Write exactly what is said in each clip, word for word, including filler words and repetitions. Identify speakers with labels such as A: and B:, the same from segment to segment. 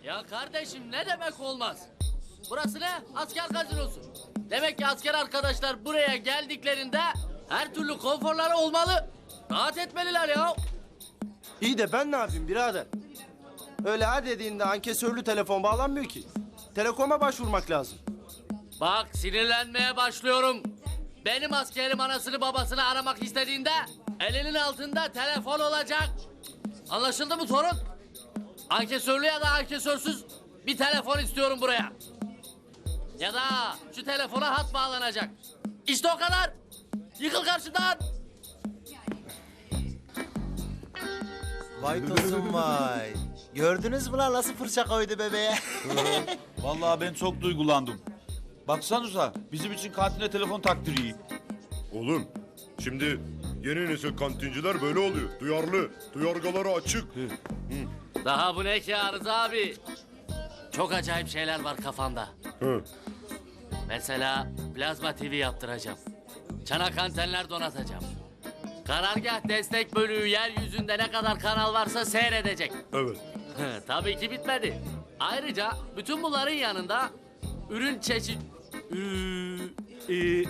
A: Ya kardeşim ne demek olmaz? Burası ne? Asker gazinosu. Demek ki asker arkadaşlar buraya geldiklerinde her türlü konforları olmalı. Rahat etmeliler ya.
B: İyi de ben ne yapayım birader? Öyle her dediğinde ankesörlü telefon bağlanmıyor ki. Telekoma başvurmak lazım.
A: Bak sinirlenmeye başlıyorum. Benim askerim anasını babasını aramak istediğinde elinin altında telefon olacak. Anlaşıldı mı torun? Ankesörlü ya da ankesörsüz bir telefon istiyorum buraya. Ya da şu telefona hat bağlanacak. İşte o kadar. Yıkıl karşıdan.
C: Vay tosun vay. Gördünüz mü lan nasıl fırça koydu bebeğe?
D: Vallahi ben çok duygulandım. Baksanıza bizim için kantine telefon taktırıyor.
E: Oğlum, şimdi yeni nesil kantinciler böyle oluyor. Duyarlı, duyargaları açık.
A: Daha bu ne ki Arız abi? Çok acayip şeyler var kafamda.
E: Hı.
A: Mesela plazma T V yaptıracağım. Çanak antenler donatacağım. Karargah destek bölüğü yeryüzünde ne kadar kanal varsa seyredecek.
E: Evet.
A: Tabii ki bitmedi. Ayrıca bütün bunların yanında ürün çeşit... Ü- ü-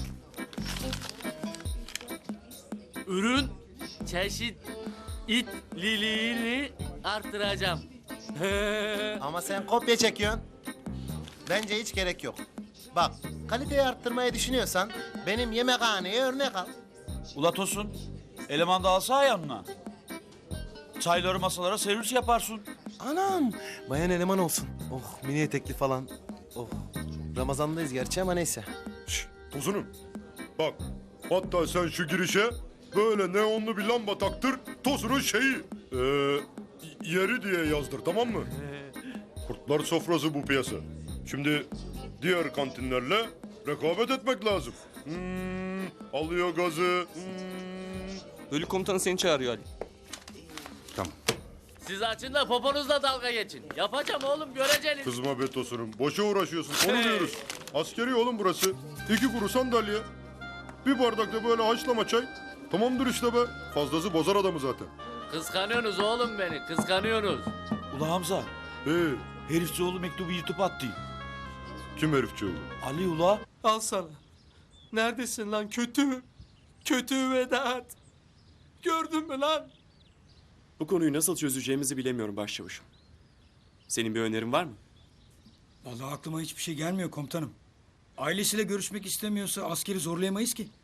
A: ürün çeşit itliliğini arttıracağım.
C: Ama sen kopya çekiyorsun. Bence hiç gerek yok. Bak kaliteyi arttırmayı düşünüyorsan benim yemekhaneye örnek al.
D: Ula Tosun, eleman da alsa yanına. Çayları masalara servis yaparsın.
B: Anam, bayan eleman olsun. Oh, mini etekli falan. Oh, Ramazan'dayız gerçi ama neyse.
E: Şşş, Tosunum. Bak, hatta sen şu girişe böyle neonlu bir lamba taktır. Tosunun şeyi, ee, yeri diye yazdır, tamam mı? Kurtlar sofrası bu piyasa. Şimdi diğer kantinlerle rekabet etmek lazım. Hmm, alıyor gazı. Hmm.
B: Bölük komutanı seni çağırıyor Ali.
E: Tamam.
A: Siz açın da poponuzla dalga geçin. Yapacağım oğlum göreceğiniz.
E: Kızma be Tosunum. Boşa uğraşıyorsun. Onu diyoruz. Askeri oğlum burası. İki kuru sandalye. Bir bardak da böyle haşlama çay. Tamamdır işte be. Fazlası bozar adamı zaten.
A: Kıskanıyorsunuz oğlum beni, kıskanıyorsunuz.
D: Ula Hamza,
E: Ee,
D: herifçioğlu mektubu yırtıp attı.
E: kim herifçi oldu?
D: Ali ula.
B: Al sana. Neredesin lan kötü? Kötü Vedat. Gördün mü lan?
F: Bu konuyu nasıl çözeceğimizi bilemiyorum başçavuşum. Senin bir önerin var mı?
G: Vallahi aklıma hiçbir şey gelmiyor komutanım. Ailesiyle görüşmek istemiyorsa askeri zorlayamayız ki.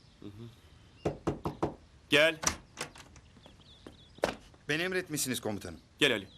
F: Gel,
H: Beni emretmişsiniz komutanım.
F: gel Ali.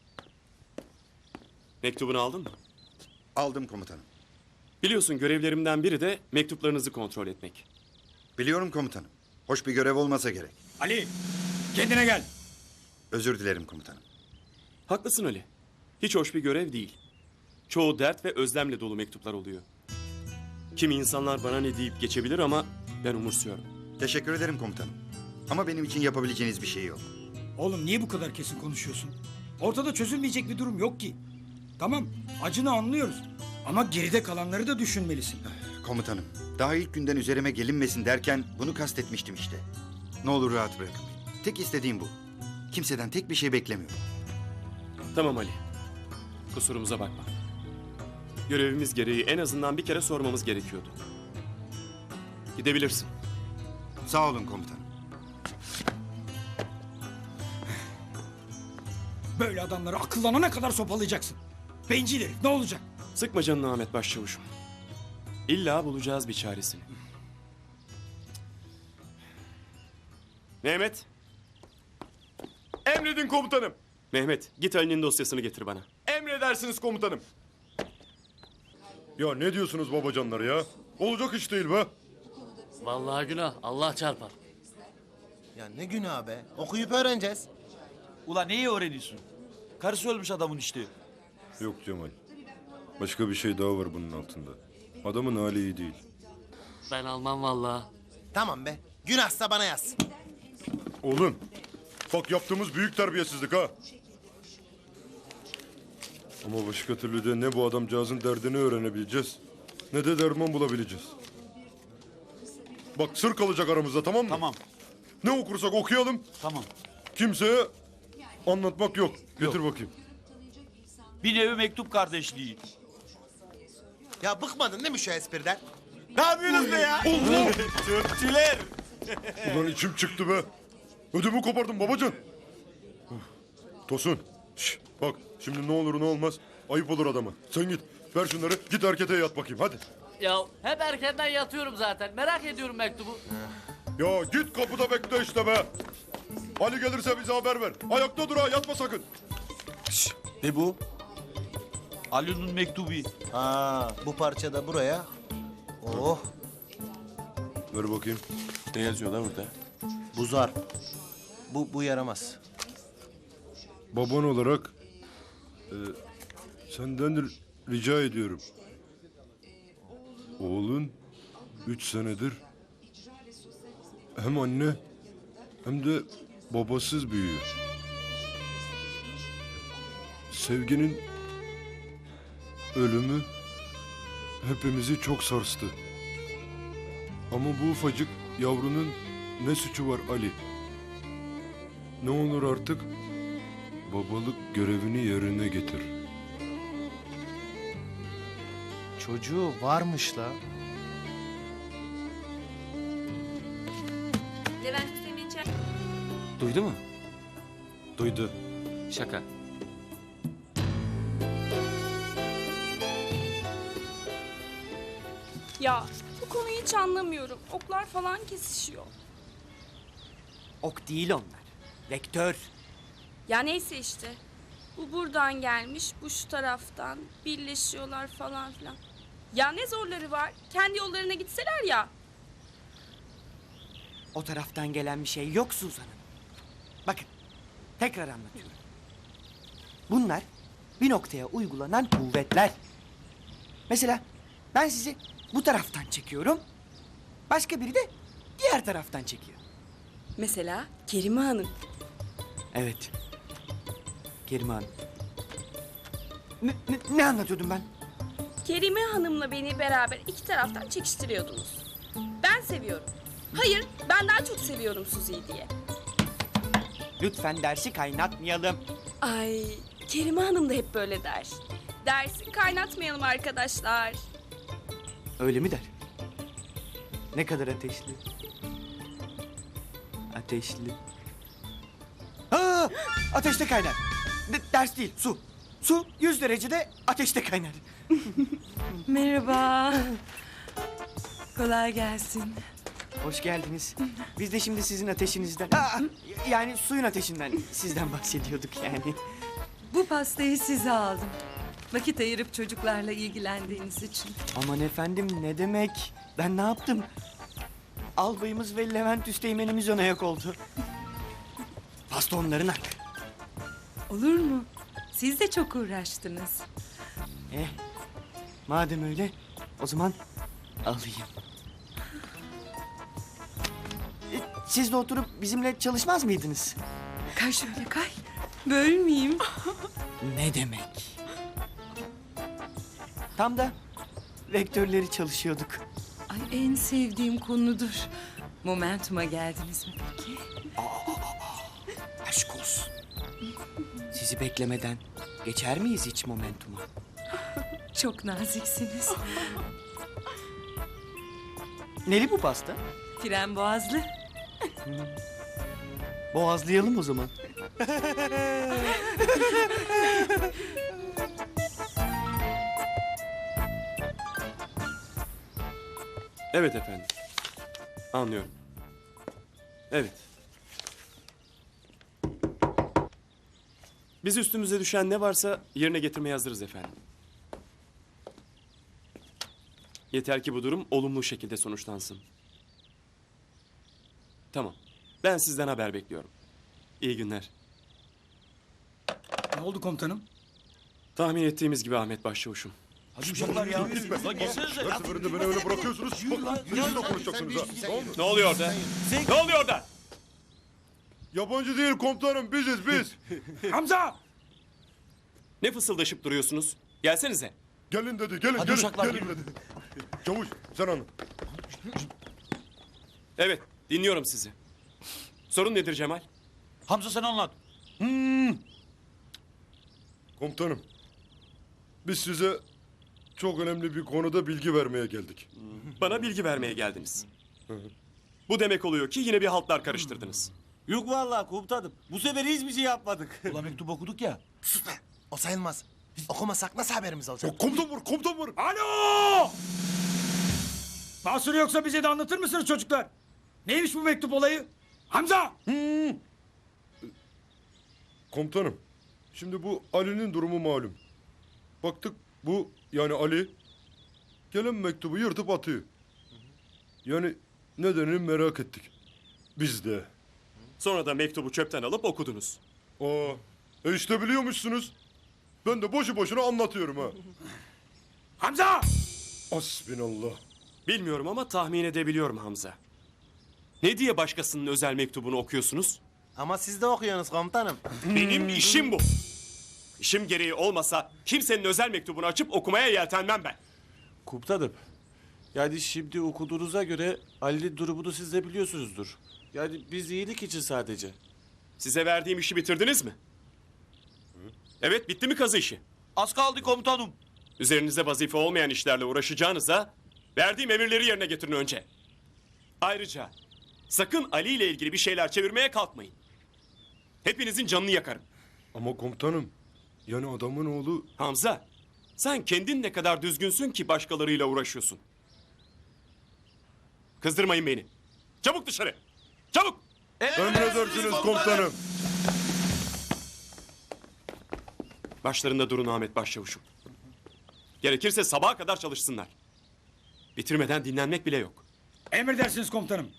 F: Mektubunu aldın mı?
H: Aldım komutanım.
F: Biliyorsun görevlerimden biri de mektuplarınızı kontrol etmek.
H: Biliyorum komutanım. Hoş bir görev olmasa gerek.
G: Ali kendine gel.
H: Özür dilerim komutanım.
F: Haklısın Ali. Hiç hoş bir görev değil. Çoğu dert ve özlemle dolu mektuplar oluyor. Kimi insanlar bana ne deyip geçebilir ama ben umursuyorum.
H: Teşekkür ederim komutanım. Ama benim için yapabileceğiniz bir şey yok.
G: Oğlum niye bu kadar kesin konuşuyorsun? Ortada çözülmeyecek bir durum yok ki. Tamam acını anlıyoruz. Ama geride kalanları da düşünmelisin.
H: Komutanım, daha ilk günden üzerime gelinmesin derken bunu kastetmiştim işte. Ne olur rahat bırakın beni. Tek istediğim bu. Kimseden tek bir şey beklemiyorum.
F: Tamam Ali. Kusurumuza bakma. Görevimiz gereği en azından bir kere sormamız gerekiyordu. Gidebilirsin.
H: Sağ olun komutanım.
G: Böyle adamları akıllanana kadar sopalayacaksın. Bencil herif ne olacak?
F: Sıkma canını Ahmet Başçavuşum. İlla bulacağız bir çaresini. Mehmet.
E: Emredin komutanım.
F: Mehmet git Ali'nin dosyasını getir bana.
E: Emredersiniz komutanım. Ya ne diyorsunuz babacanlar ya? Olacak iş değil be.
A: Vallahi günah, Allah çarpar.
C: Ya ne günah be. Okuyup öğreneceğiz.
D: Ula neyi öğreniyorsun? Karısı ölmüş adamın işte.
E: Yok Cemal. Başka bir şey daha var bunun altında. Adamın hali iyi değil.
A: Ben almam vallahi.
C: Tamam be. Günahsa bana yaz.
E: Oğlum, bak yaptığımız büyük terbiyesizlik ha. Ama başka türlü de ne bu adamcağızın derdini öğrenebileceğiz, ne de derman bulabileceğiz. Bak sır kalacak aramızda, tamam mı?
D: Tamam,
E: Ne okursak okuyalım,
D: tamam.
E: kimseye anlatmak yok. Getir bakayım.
D: Bir nevi mektup kardeşliği.
C: Ya bıkmadın değil mi şu espriden?
D: Ne yapıyorsunuz be ya? Türkçüler.
E: Ulan içim çıktı be. Ödümü kopardım babacan. Uf. Tosun. Şş, bak şimdi ne olur ne olmaz. Ayıp olur adama. Sen git. Ver şunları. Git erkete yat bakayım hadi.
A: Ya hep erkenden yatıyorum zaten. Merak ediyorum mektubu.
E: Ya git kapıda bekle işte be. Ali gelirse bize haber ver. Ayakta dur ha yatma sakın.
D: Ne bu? Ali'nin mektubu.
C: Ha, bu parça da buraya. Oh,
E: Ver bakayım.
D: Ne yazıyor lan burada?
C: bu zarf. Bu, bu yaramaz.
E: Baban olarak e, senden r- rica ediyorum. Oğlun üç senedir hem anne hem de babasız büyüyor. Sevginin ölümü hepimizi çok sarstı. Ama bu ufacık yavrunun ne suçu var Ali? Ne olur artık babalık görevini yerine getir.
C: Çocuğu varmış la.
I: Levent Hüseyin içer.
F: Duydu mu? Duydu. Şaka.
I: Ya bu konuyu hiç anlamıyorum. Oklar falan kesişiyor.
J: Ok değil onlar. Vektör.
I: Ya neyse işte. Bu buradan gelmiş, bu şu taraftan. Birleşiyorlar falan filan. Ya ne zorları var? Kendi yollarına gitseler ya.
J: O taraftan gelen bir şey yok Suzan Hanım. Bakın, tekrar anlatıyorum. Bunlar bir noktaya uygulanan kuvvetler. Mesela ben sizi bu taraftan çekiyorum. Başka biri de diğer taraftan çekiyor.
I: Mesela Kerime Hanım.
J: Evet. Kerime Hanım. Ne, ne, ne anlatıyordum ben?
I: Kerime Hanım'la beni beraber iki taraftan çekiştiriyordunuz. Ben seviyorum. Hayır, ben daha çok seviyorum Suzi'yi diye.
J: Lütfen dersi kaynatmayalım.
I: Ay, Kerime Hanım da hep böyle der. Dersi kaynatmayalım arkadaşlar.
J: Öyle mi der? Ne kadar ateşli? Ateşli. Aa, ateşte kaynar. De- ders değil, su. Su yüz derecede ateşte kaynar.
K: Merhaba. Kolay gelsin.
J: Hoş geldiniz. Biz de şimdi sizin ateşinizden... Aa, yani suyun ateşinden sizden bahsediyorduk yani.
K: Bu pastayı size aldım. Vakit ayırıp çocuklarla ilgilendiğiniz için.
J: Aman efendim ne demek? Ben ne yaptım? Albayımız ve Levent Üsteğmen'imiz ön ayak oldu. Pasta onların hakkı.
K: Olur mu? Siz de çok uğraştınız.
J: Eh, madem öyle o zaman alayım. E, Siz de oturup bizimle çalışmaz mıydınız?
K: Kay şöyle kay. Bölmeyeyim.
J: Ne demek? Tam da vektörleri çalışıyorduk.
K: Ay en sevdiğim konudur. Momentum'a geldiniz mi peki?
J: Aşk olsun. Sizi beklemeden geçer miyiz hiç momentuma?
K: Çok naziksiniz.
J: Neli bu pasta?
K: Fren boğazlı.
J: Boğazlayalım o zaman.
F: Evet efendim. Anlıyorum. Evet. Biz üstümüze düşen ne varsa yerine getirmeye hazırız efendim. Yeter ki bu durum olumlu şekilde sonuçlansın. Tamam. Ben sizden haber bekliyorum. İyi günler.
G: Ne oldu komutanım?
F: Tahmin ettiğimiz gibi Ahmet Başçavuş'um.
D: Hadi uşaklar ya. Lan gelsenize.
E: Her seferinde beni öyle bırakıyorsunuz. Bak sizinle konuşacaksınız ha. Tamam mı?
F: Ne oluyor orada? Ne oluyor orada?
E: Yabancı değil komutanım biziz biz.
G: Hamza!
F: Ne fısıldaşıp duruyorsunuz? Gelsenize.
E: Gelin dedi gelin
D: Hadi
E: gelin.
D: uşaklar,
E: Gelin dedi. Çavuş sen anla.
F: Evet, dinliyorum sizi. Sorun nedir Cemal?
D: Hamza sen anlat.
E: Komutanım biz size çok önemli bir konuda bilgi vermeye geldik.
F: Bana bilgi vermeye geldiniz. Bu demek oluyor ki yine bir haltlar karıştırdınız.
L: Yok vallahi komutanım. Bu sefer hiçbir şey yapmadık.
D: Ulan mektup okuduk ya.
C: Sus be. O sayılmaz. Biz okumasak nasıl haberimiz olacak?
E: Ya komutan var, komutan var.
G: Alo! Mahsuru yoksa bize de anlatır mısınız çocuklar? Neymiş bu mektup olayı? Hamza!
E: Komutanım, şimdi bu Ali'nin durumu malum. Baktık bu yani Ali gelen mektubu yırtıp atıyor. Yani nedenini merak ettik. Biz de.
F: Sonra da mektubu çöpten alıp okudunuz.
E: Aa, e işte biliyormuşsunuz. Ben de boşu boşuna anlatıyorum ha.
G: Hamza!
E: Hasbinallah.
F: Bilmiyorum ama tahmin edebiliyorum Hamza. Ne diye başkasının özel mektubunu okuyorsunuz?
C: Ama siz de okuyorsunuz komutanım.
F: Benim işim bu. İşim gereği olmasa kimsenin özel mektubunu açıp okumaya yeltenmem ben.
L: Komutanım. Yani şimdi okuduğunuza göre Ali'nin durumunu siz de biliyorsunuzdur. Yani biz iyilik için sadece.
F: Size verdiğim işi bitirdiniz mi? Evet, bitti mi kazı işi?
D: Az kaldı komutanım.
F: Üzerinize vazife olmayan işlerle uğraşacağınıza verdiğim emirleri yerine getirin önce. Ayrıca sakın Ali ile ilgili bir şeyler çevirmeye kalkmayın. Hepinizin canını yakarım.
E: Ama komutanım, yani adamın oğlu...
F: Hamza, sen kendin ne kadar düzgünsün ki başkalarıyla uğraşıyorsun. Kızdırmayın beni. Çabuk dışarı. Çabuk.
E: Emredersiniz komutanım.
F: Başlarında durun Ahmet Başçavuşum. Gerekirse sabaha kadar çalışsınlar. Bitirmeden dinlenmek bile yok.
G: Emredersiniz komutanım.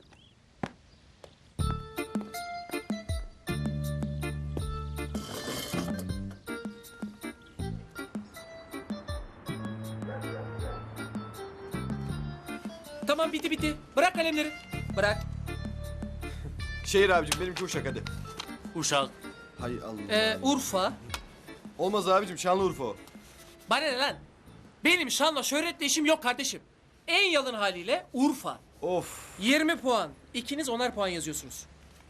J: Tamam bitti bitti. Bırak kalemleri. Bırak.
B: Şehir abicim benimki Uşak hadi.
A: Uşak.
B: Hay Allah.
J: Ee, Urfa.
B: Olmaz abicim Şanlıurfa o.
J: Bana ne lan? Benim şanla şöhretle işim yok kardeşim. En yalın haliyle Urfa.
B: Of.
J: yirmi puan. İkiniz onar puan yazıyorsunuz.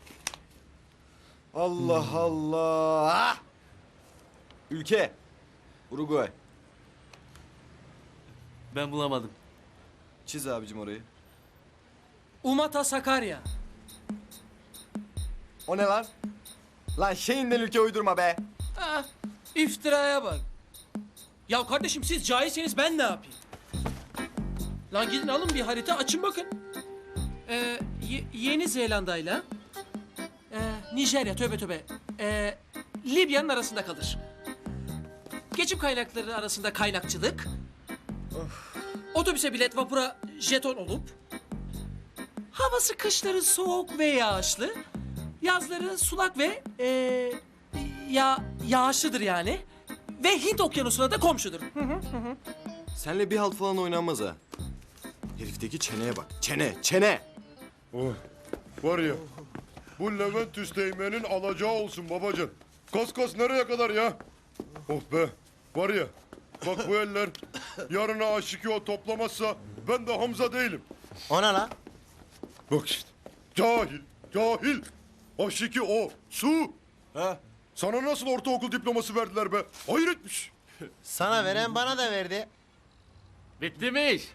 B: Allah Allah. Ülke. Uruguay.
A: Ben bulamadım.
B: Çiz abicim orayı.
J: Umata Sakarya.
B: O ne lan? Lan şeyinden ülke uydurma be.
J: Ah, iftiraya bak. Ya kardeşim siz cahilseniz ben ne yapayım? Lan gidin alın bir harita açın bakın. Ee, Ye- Yeni Zelanda'yla ee, Nijerya tövbe tövbe ee, Libya'nın arasında kalır. Geçim kaynakları arasında kaynakçılık. Otobüse bilet, vapura jeton olup havası kışları soğuk ve yağışlı, yazları sulak ve ee, ya yağışlıdır yani. Ve Hint okyanusuna da komşudur.
B: Senle bir halt falan oynanmaz ha. Herifteki çeneye bak. Çene, çene.
E: Oh, var ya, bu Levent Üsteğmen'in alacağı olsun babacan. Kas kas nereye kadar ya? Oh be, var ya, bak bu eller yarına aşık o toplamazsa ben de Hamza değilim.
C: O ne lan?
E: Bak işte, cahil, cahil. Aşık o, su.
L: Ha?
E: Sana nasıl ortaokul diploması verdiler be? Hayretmiş.
C: Sana veren bana da verdi.
A: Bitti mi iş?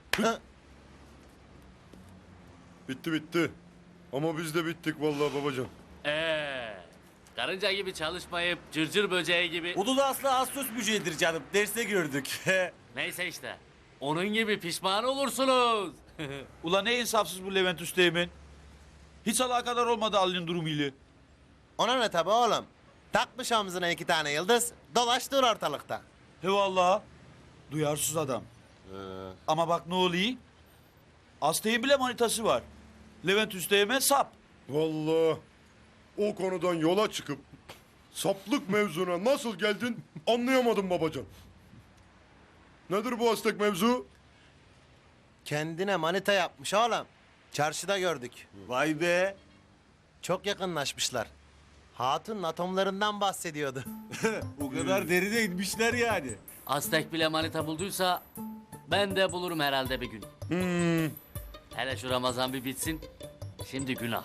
E: Bitti bitti. Ama biz de bittik vallahi babacan.
A: Ee, karınca gibi çalışmayıp cırcır böceği gibi...
L: Onu da aslında Ağustos böceğidir canım. Derste gördük.
A: Neyse işte. Onun gibi pişman olursunuz.
D: Ulan ne insafsız bu Levent Üsteğmen. Hiç alakadar olmadı Ali'nin durumuyla.
C: Ona ne tabi oğlum? Takmış omzuna iki tane yıldız, dolaştır ortalıkta.
D: He vallahi. Duyarsız adam. Ama bak ne oluyor? Astay'ın bile manitası var. Levent Üsteğmen sap.
E: Vallahi o konudan yola çıkıp saplık mevzuna nasıl geldin anlayamadım babacan. Nedir bu Aztek mevzu?
C: Kendine manita yapmış oğlum. Çarşıda gördük.
L: Vay be.
C: Çok yakınlaşmışlar. Hatun atomlarından bahsediyordu.
L: O kadar derine inmişler yani.
A: Aztek bile manita bulduysa ben de bulurum herhalde bir gün.
E: Hmm.
A: Hele şu Ramazan bir bitsin. Şimdi günah.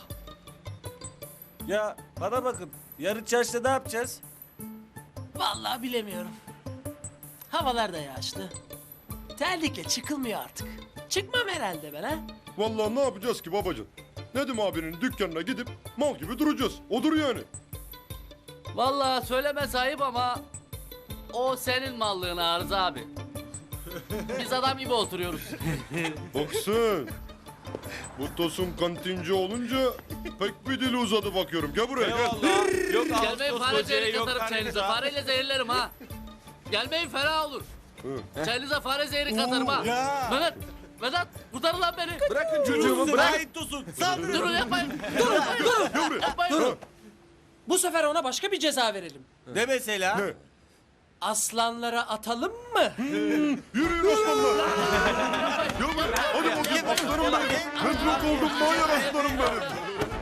L: Ya bana bakın. Yarın çarşıda ne yapacağız?
J: Vallahi bilemiyorum.
M: Havalar da yağışlı. Terlikle çıkılmıyor artık. Çıkmam herhalde ben ha.
E: Vallahi ne yapacağız ki babacığım? Nedim abinin dükkanına gidip mal gibi duracağız. Odur yani.
A: Vallahi söyleme sahip ama o senin mallığın Arıza abi. Biz adam gibi oturuyoruz.
E: Bak sen. Bu Tosun kantinci olunca pek bir dili uzadı bakıyorum. Gel buraya gel.
L: Yok
A: Gelmeyin fare zehri katarım çayınıza. Fareyle zehirlerim ha. Gelmeyin fena olur. Çayınıza fare zehri katarım ha. Vedat, Vedat kurtarın lan beni.
L: Bırakın çocuğumu bırakın Tosun.
A: Durun yapmayın. Durun, durun. Yapmayın.
M: Bu sefer ona başka bir ceza verelim.
L: Ne mesela?
E: Ne?
M: Aslanlara atalım mı?
E: Yürüyün aslanlar. Ya ben, hadi bakayım aslanım benim. Ben çok oldum manyak aslanım benim.